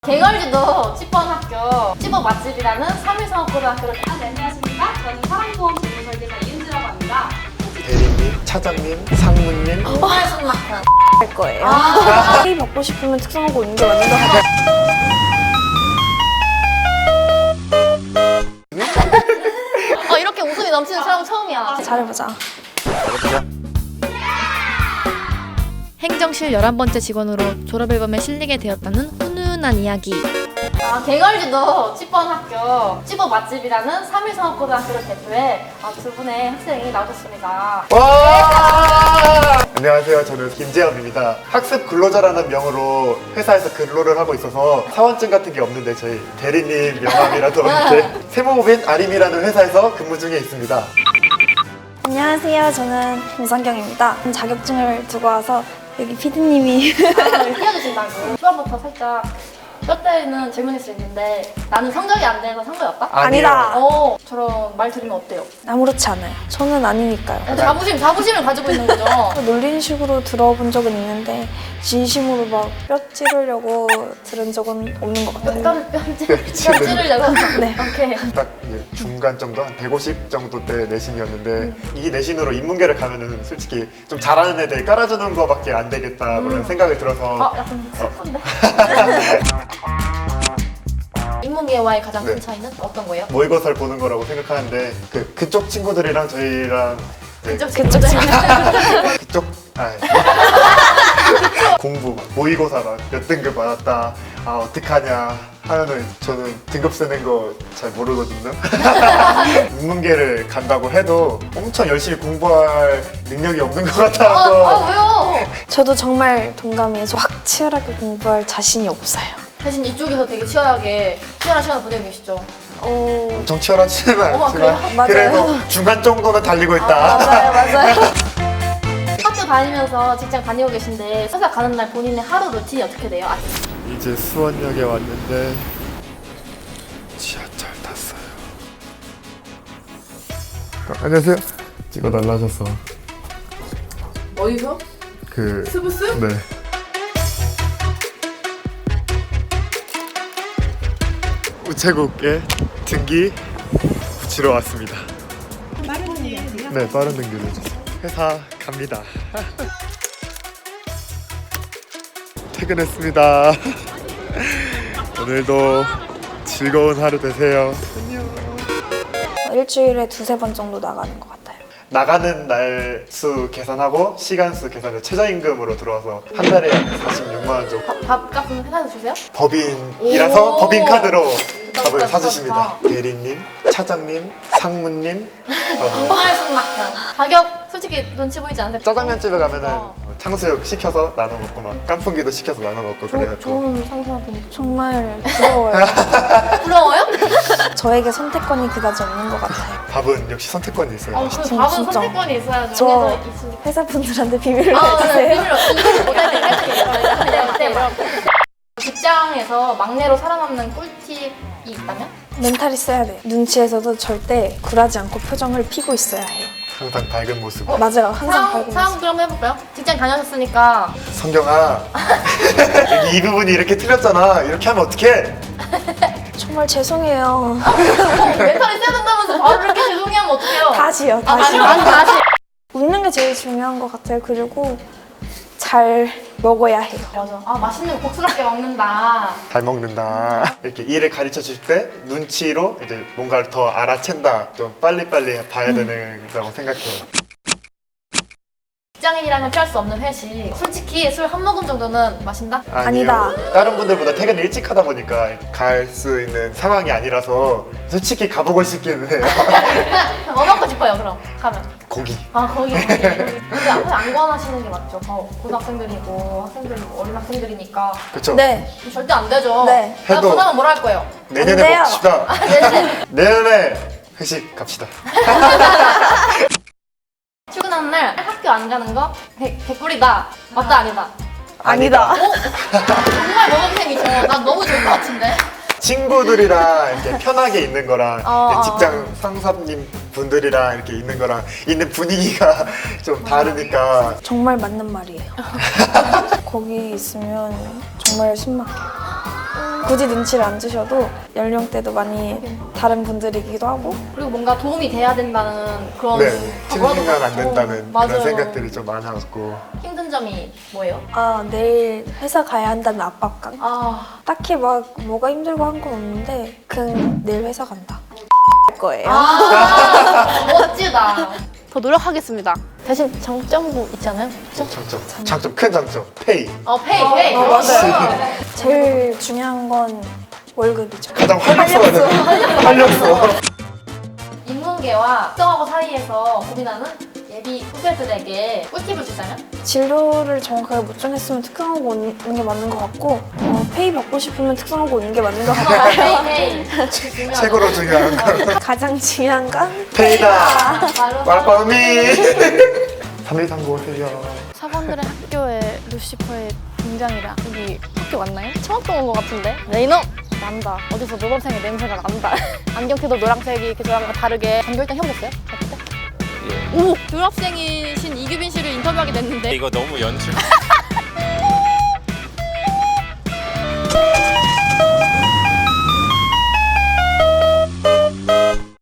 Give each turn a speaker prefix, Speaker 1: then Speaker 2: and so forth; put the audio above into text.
Speaker 1: 개걸지도 찌뻔 학교 찌뽀 맛집이라는 3일성업고등학교를
Speaker 2: 네, 안녕하십니까. 저는 사랑보험 전문설계사 이은지라고 합니다.
Speaker 3: 대리님, 차장님, 상무님.
Speaker 1: 정말 숨막혀.
Speaker 4: 할 거예요. 회의 받고 싶으면 특성화고 오는 게 맞는 것 같아요.
Speaker 1: 이렇게 웃음이 넘치는 촬영 처음이야.
Speaker 4: 잘해보자.
Speaker 5: 행정실 11번째 직원으로 졸업앨범에 실리게 되었다는 훈훈한 이야기.
Speaker 1: 개걸지도 찌뻔 학교 찌뽀 맛집이라는 3일성업고등학교를 대표해 두 분의 학생이 나오셨습니다.
Speaker 3: 와! 안녕하세요. 저는 김재엽입니다. 학습 근로자라는 명으로 회사에서 근로를 하고 있어서 사원증 같은 게 없는데 저희 대리님 명함이라도 이렇게 세무법인 아림이라는 회사에서 근무 중에 있습니다.
Speaker 4: 안녕하세요. 저는 김상경입니다. 자격증을 두고 와서 여기 피디님이
Speaker 1: 띄워주신다고. 초반부터 살짝 뼈 때리는 질문일 수 있는데 나는 성적이 안 돼서 산 거였다?
Speaker 4: 아니다.
Speaker 1: 저런 말 들으면 어때요?
Speaker 4: 아무렇지 않아요. 저는 아니니까요.
Speaker 1: 자부심을 가지고 있는 거죠.
Speaker 4: 놀리는 식으로 들어본 적은 있는데 진심으로 막 뼈 찌르려고 들은 적은 없는 것 같아요.
Speaker 1: 뼈를 찌르려고?
Speaker 4: 네.
Speaker 1: 오케이.
Speaker 3: 딱 중간 정도, 한 150 정도 대 내신이었는데 이 내신으로 인문계를 가면은 솔직히 좀 잘하는 애들 깔아주는 거밖에 안 되겠다 그런 생각이 들어서
Speaker 1: 약간 슬픈데? 인문계와의 가장 큰
Speaker 3: 네.
Speaker 1: 차이는 어떤 거예요?
Speaker 3: 모의고사를 보는 거라고 생각하는데 그쪽 친구들이랑 저희랑 네,
Speaker 4: 그쪽
Speaker 3: 그쪽 공부 막 모의고사 막 몇 등급 받았다 어떡하냐 하면은 저는 등급 쓰는 거 잘 모르거든요. 인문계를 간다고 해도 엄청 열심히 공부할 능력이 없는 것 같아서
Speaker 1: 왜요?
Speaker 4: 저도 정말 동감해서 확 치열하게 공부할 자신이 없어요.
Speaker 1: 대신 이쪽에서 되게 치열한 시간을 보내고 계시죠?
Speaker 3: 엄청 치열하지는
Speaker 1: 어머,
Speaker 3: 않지만
Speaker 4: 맞아요.
Speaker 3: 그래도 중간 정도는 달리고 있다.
Speaker 4: 맞아요.
Speaker 1: 학교 다니면서 직장 다니고 계신데 회사 가는 날 본인의 하루 루틴이 어떻게 돼요?
Speaker 3: 이제 수원역에 왔는데 지하철 탔어요. 안녕하세요. 찍어달라 하셔서
Speaker 2: 어디서?
Speaker 3: 스브스? 네. 우체국에 등기 붙이러 왔습니다.
Speaker 2: 빠른 등기하세요?
Speaker 3: 네, 빠른 등기를 해주세요. 회사 갑니다. 퇴근했습니다. 오늘도 즐거운 하루 되세요.
Speaker 4: 일주일에 2-3번 정도 나가는 것 같아요.
Speaker 3: 나가는 날 수 계산하고 시간 수 계산을 최저임금으로 들어와서 한 달에 46만 원 정도.
Speaker 1: 밥값은 회사에서 주세요?
Speaker 3: 법인이라서
Speaker 1: 오.
Speaker 3: 법인 카드로 밥을
Speaker 1: 좋다,
Speaker 3: 사주십니다.
Speaker 1: 좋다.
Speaker 3: 대리님, 차장님, 상무님.
Speaker 1: 정말 숨막혀. 가격 솔직히 눈치 보이지 않으세요?
Speaker 3: 짜장면 집에 가면은 탕수육 시켜서 나눠 먹고 막 깐풍기도 시켜서 나눠 먹고 그래가지고
Speaker 4: 좋은 상사분 정말 부러워요.
Speaker 1: 부러워요?
Speaker 4: 저에게 선택권이 그다지 없는 것 같아요.
Speaker 3: 밥은 역시 선택권이 있어요.
Speaker 1: 그
Speaker 3: 맛있죠.
Speaker 1: 밥은
Speaker 4: 진짜.
Speaker 1: 선택권이 있어야죠.
Speaker 4: 저
Speaker 1: 회사에 있으니까.
Speaker 4: 회사분들한테 비밀로
Speaker 1: 네,
Speaker 4: 해주세요.
Speaker 1: 직장에서 막내로 살아남는 꿀팁이 있다면?
Speaker 4: 멘탈이 써야 돼요. 눈치에서도 절대 굴하지 않고 표정을 피고 있어야 해요.
Speaker 3: 항상 밝은 모습.
Speaker 4: 맞아요. 항상 밝은
Speaker 1: 상황
Speaker 4: 모습.
Speaker 1: 그럼 해볼까요? 직장 다녀오셨으니까
Speaker 3: 성경아, 여기 이 부분이 이렇게 틀렸잖아. 이렇게 하면 어떡해?
Speaker 4: 정말 죄송해요.
Speaker 1: 멘탈이 세야 된다면서 바로 이렇게 죄송해 하면 어떡해요?
Speaker 4: 다시요.
Speaker 1: 다시.
Speaker 4: 다시. 웃는 게 제일 중요한 것 같아요. 그리고 잘 먹어야 해요.
Speaker 1: 맞아. 맛있는 거 복스럽게 먹는다.
Speaker 3: 잘 먹는다. 이렇게 일을 가르쳐 줄 때 눈치로 이제 뭔가를 더 알아챈다. 좀 빨리빨리 봐야 되는다고 생각해요.
Speaker 1: 직장인이라면 피할 수 없는 회식. 솔직히 술 한 모금 정도는 마신다?
Speaker 4: 아니다.
Speaker 3: 다른 분들보다 퇴근을 일찍 하다 보니까 갈 수 있는 상황이 아니라서 솔직히 가보고 싶기는 해요.
Speaker 1: 뭐 먹고 싶어요 그럼 가면?
Speaker 3: 고기.
Speaker 1: 거기. 근데 앞에 안 권하시는 게 맞죠. 고등학생들이고 학생들이고 어린 학생들이니까
Speaker 3: 그쵸?
Speaker 4: 네.
Speaker 1: 절대 안 되죠.
Speaker 4: 네.
Speaker 1: 나
Speaker 3: 해도-
Speaker 1: 권하면 뭐라 할 거예요?
Speaker 3: 내년에
Speaker 4: 안 돼요.
Speaker 3: 먹읍시다.
Speaker 1: 네네.
Speaker 3: 내년에 회식 갑시다.
Speaker 1: 출근하는 날 학교 안 가는 거 개꿀이다. 맞다 아니다.
Speaker 4: 아니다.
Speaker 1: 정말 모범생이죠. 난 너무 좋을 것 같은데.
Speaker 3: 친구들이랑 이렇게 편하게 있는 거랑
Speaker 1: 어.
Speaker 3: 직장 상사님 분들이랑 이렇게 있는 거랑 있는 분위기가 좀 다르니까
Speaker 4: 정말 맞는 말이에요. 거기 있으면 정말 숨 막혀요. 굳이 눈치를 안 주셔도 연령대도 많이 다른 분들이기도 하고
Speaker 1: 그리고 뭔가 도움이 돼야 된다는 그런
Speaker 3: 네,
Speaker 1: 각오도
Speaker 3: 틀리면 안
Speaker 1: 갖고.
Speaker 3: 된다는
Speaker 1: 맞아요.
Speaker 3: 그런 생각들이 좀 많았고
Speaker 1: 힘든 점이 뭐예요?
Speaker 4: 내일 회사 가야 한다는 압박감.
Speaker 1: 아,
Speaker 4: 딱히 막 뭐가 힘들고 한 건 없는데 그냥 내일 회사 간다. 거예요.
Speaker 1: 멋지다.
Speaker 6: 더 노력하겠습니다.
Speaker 1: 대신 장점도 있잖아요. 그쵸?
Speaker 3: 장점 큰 장점 페이
Speaker 1: 페이.
Speaker 4: 맞아요. 제일 중요한 건 월급이죠.
Speaker 3: 가장 활력소가 활력소.
Speaker 1: 인문계와 특성화고 사이에서 고민하는 예비 후배들에게 꿀팁을 주자면?
Speaker 4: 진로를 정확하게 못 정했으면 특성하고 오는 게 맞는 것 같고 페이 받고 싶으면 특성하고 오는 게 맞는 것 같고
Speaker 1: 페이.
Speaker 3: 최고로 중요한 건
Speaker 4: 가장 중요한 건
Speaker 3: 페이다.
Speaker 1: 바로
Speaker 3: 말빠미 3139 해요.
Speaker 6: 사관들의 학교에 루시퍼의 등장이라 여기 학교 맞나요? 처음 본 것 같은데? 레이너! 난다. 어디서 노란색의 냄새가 난다. 안경테도 노란색이 이렇게 저랑 다르게 전교일단 해보셨어요? 어때? 오! 교학생이신 이규빈 씨를 인터뷰하게 됐는데
Speaker 7: 이거 너무 연출